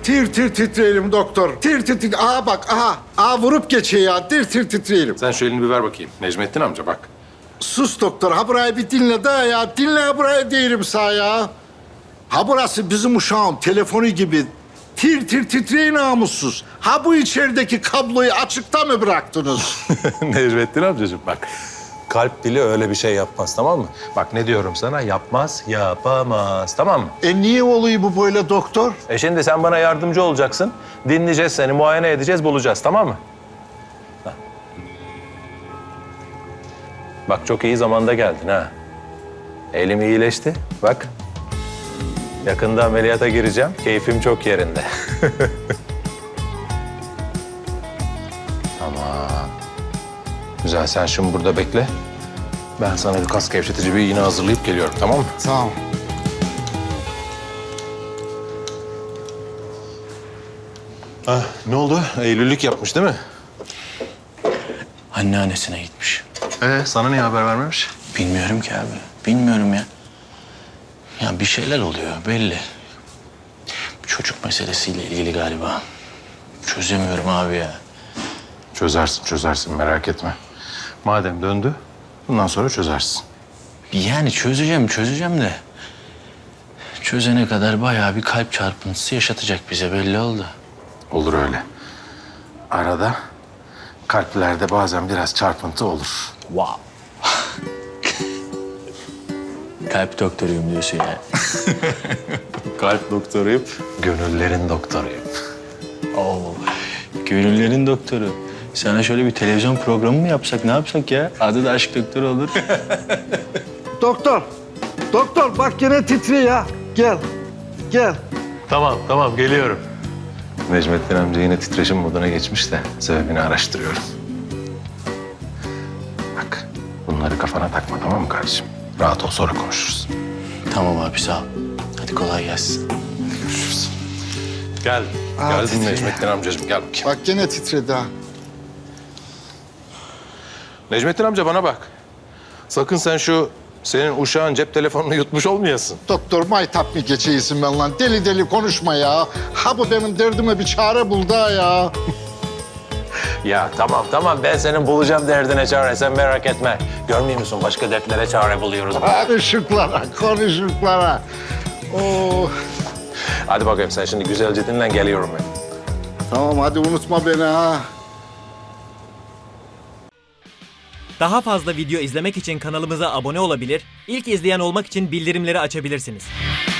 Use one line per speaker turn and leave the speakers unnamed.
Tir tir titreyelim doktor. Tir tir tir. Aha bak aha. Aha vurup geçiyor ya. Tir tir titreyelim.
Sen şu elini bir ver bakayım. Necmettin amca bak.
Sus doktor. Ha burayı bir dinle daha ya. Dinle ha burayı değilim sağ ya. Ha burası bizim uşağın telefonu gibi. Tir tir titreyin namussuz. Ha bu içerideki kabloyu açıkta mı bıraktınız?
Necmettin amcacığım bak. Kalp dili öyle bir şey yapmaz, tamam mı? Bak ne diyorum sana, yapmaz, yapamaz, tamam mı?
Niye oluyor bu böyle doktor?
Şimdi sen bana yardımcı olacaksın. Dinleyeceğiz seni, muayene edeceğiz, bulacağız, tamam mı? Ha. Bak çok iyi zamanda geldin ha. Elim iyileşti, bak. Yakında ameliyata gireceğim, keyfim çok yerinde. Tamam. Güzel, sen şimdi burada bekle. Ben sana bir kas gevşetici bir iğne hazırlayıp geliyorum, tamam mı?
Tamam.
Ne oldu? Eylül'lük yapmış değil mi?
Anneannesine gitmiş.
Sana niye haber vermemiş?
Bilmiyorum ki abi. Bilmiyorum ya. Ya bir şeyler oluyor belli. Çocuk meselesiyle ilgili galiba. Çözemiyorum abi ya.
Çözersin merak etme. Madem döndü, bundan sonra çözersin.
Yani çözeceğim de. Çözene kadar bayağı bir kalp çarpıntısı yaşatacak bize belli oldu.
Olur öyle. Arada kalplerde bazen biraz çarpıntı olur.
Wow. Kalp doktoruyum diyorsun ya.
Kalp doktoruyum, gönüllerin doktoruyum.
Oo. Gönüllerin doktoru. Sana şöyle bir televizyon programı mı yapsak, ne yapsak ya? Adı da aşk doktoru olur.
Doktor. Doktor bak yine titriyor ya. Gel. Gel.
Tamam geliyorum. Necmettin amca yine titreşim moduna geçmiş de sebebini araştırıyorum. Bak bunları kafana takma, tamam mı kardeşim? Rahat ol, sonra konuşuruz.
Tamam abi sağ ol. Hadi kolay gelsin.
Görüşürüz. Gel.
Aa,
Geldin
titriyor.
Necmettin amcacığım, gel bakayım.
Bak yine titredi ha.
Necmettin amca bana bak. Sakın sen şu senin uşağın cep telefonunu yutmuş olmayasın.
Doktor maytap mı geçeysin ben lan? Deli deli konuşma ya. Ha bu benim derdime bir çare buldu ha ya.
Ya tamam ben senin bulacağım derdine çare, sen merak etme. Görmüyor musun, başka dertlere çare buluyoruz.
Konuşuklara. Oo.
Hadi bakayım sen şimdi güzelce dinlen, geliyorum ben.
Tamam hadi unutma beni ha.
Daha fazla video izlemek için kanalımıza abone olabilir, ilk izleyen olmak için bildirimleri açabilirsiniz.